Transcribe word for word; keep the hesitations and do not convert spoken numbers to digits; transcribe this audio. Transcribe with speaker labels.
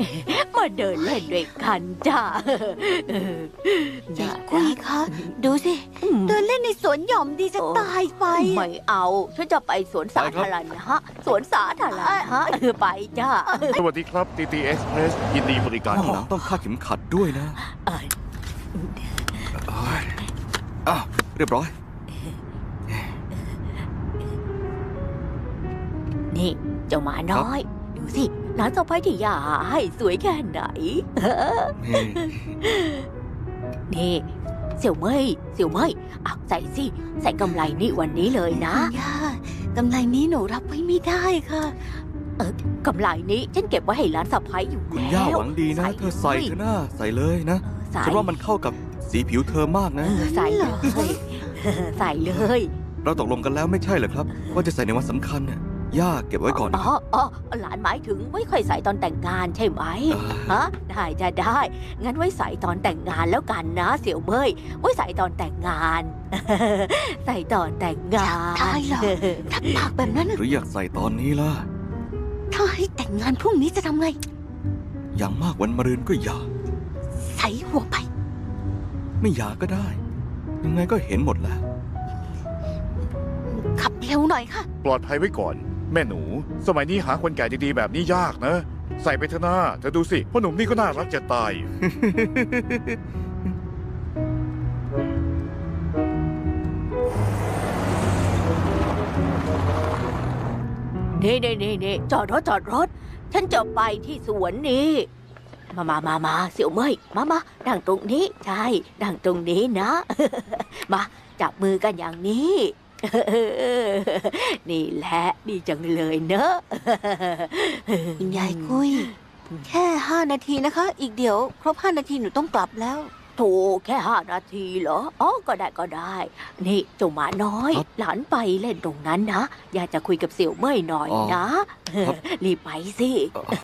Speaker 1: มาเดินเล่นด้วยกันจ้า
Speaker 2: ใจกุยคะดูสิเดินเล่นในสวนหย่อมดีจะตายไป
Speaker 1: ไม่เอาฉันจะไปสวนสาธารณะสวนสาธารณะเออไปจ้า
Speaker 3: สวัสดีครับ ที ที Express ยินดีบริการ
Speaker 4: ข้าง
Speaker 3: ค
Speaker 4: หลั
Speaker 3: รั
Speaker 4: ง
Speaker 3: บ
Speaker 4: ต้องคาดเข็มขัดด้วยนะ
Speaker 1: เอ้ย
Speaker 4: เอ้ยอ้าวเรียบร้อย
Speaker 1: นี่เจ้าหมาน้อย ดูสิหลานสะใภ้ที่ย่าหาให้สวยแค่ไหน
Speaker 4: นี่
Speaker 1: นี่เสี่ยวเมยเสี่ยวเมยอ่ะใส่สิใส่กำไรนี่วันนี้เลยนะ
Speaker 2: ย่ากำไรนี้หนูรับไว้ไม่ได้ค่ะ
Speaker 1: กำไรนี้ฉันเก็บไว้ให้หลานสะใภ้อยู่
Speaker 4: คุณ
Speaker 1: แล้ว
Speaker 4: ย่าหวังดีนะ เธอใส่เธอหน้าใส่เลยนะ
Speaker 1: เออใส่
Speaker 4: ฉันว่ามันเข้ากับสีผิวเธอมาก
Speaker 1: เอ
Speaker 4: นะ
Speaker 1: อใส่เลย ใส่เลย
Speaker 4: เราตกลงกันแล้วไม่ใช่เหรอครับ ว่าจะใส่ในวันสำคัญน่ะย่าเก็บไว้ก่อนนะ
Speaker 1: อ๋ออ๋อหลานหมายถึงไม่ค่อยใส่ตอนแต่งงานใช่ไหม
Speaker 4: เออ
Speaker 1: ฮะได้จะได้ งั้นไว้ใส่ตอนแต่งงานแล้วกันนะเสี่ยวเมยไว้ใส่ตอนแต่งงาน ใส่ตอนแต่งงาน
Speaker 2: ได้เหรอ รับปากแบบนั้นน่ะ
Speaker 4: หรืออยากใส่ตอนนี้ล่ะ
Speaker 2: ถ้าให้แต่งงานพรุ่งนี้จะทำไง
Speaker 4: อย่างมากวันมะรืนก็อย่า
Speaker 2: ใส่หัวไป
Speaker 4: ไม่อย่าก็ได้ ยังไงก็เห็นหมดแหละ
Speaker 2: ขับเร็วหน่อยค่ะ
Speaker 3: ปลอดภัยไว้ก่อน แม่หนู สมัยนี้หาคนแก่ดีๆแบบนี้ยากนะ ใส่ไปเถอะหน้าเธอดูสิพ่อหนุ่มนี่ก็น่ารักจะตาย
Speaker 1: นี่นี่นี่นี่จอดรถจอดรถ ฉันจะไปที่สวนนี้ มามามามาเสี่ยวเมยมามานั่งตรงนี้ใช่นั่งตรงนี้นะ มาจับมือกันอย่างนี้ นี่แหละดีจังเลยเนอะ
Speaker 2: คุณยายกุย แค่ห้านาทีนะคะ อีกเดี๋ยว ครบห้านาทีหนูต้องกลับแล้ว
Speaker 1: โถแค่ห้านาทีเหรอ อ๋อ ก็ได้ก็ได้ นี่เจ้าหมาน้อย
Speaker 4: ครับ
Speaker 1: หลานไปเล่นตรงนั้นนะ อยากจะคุยกับเสี่ยวเม่ยหน่อย
Speaker 4: อ๋อ
Speaker 1: นะ
Speaker 4: ครับ
Speaker 1: รีบไปสิ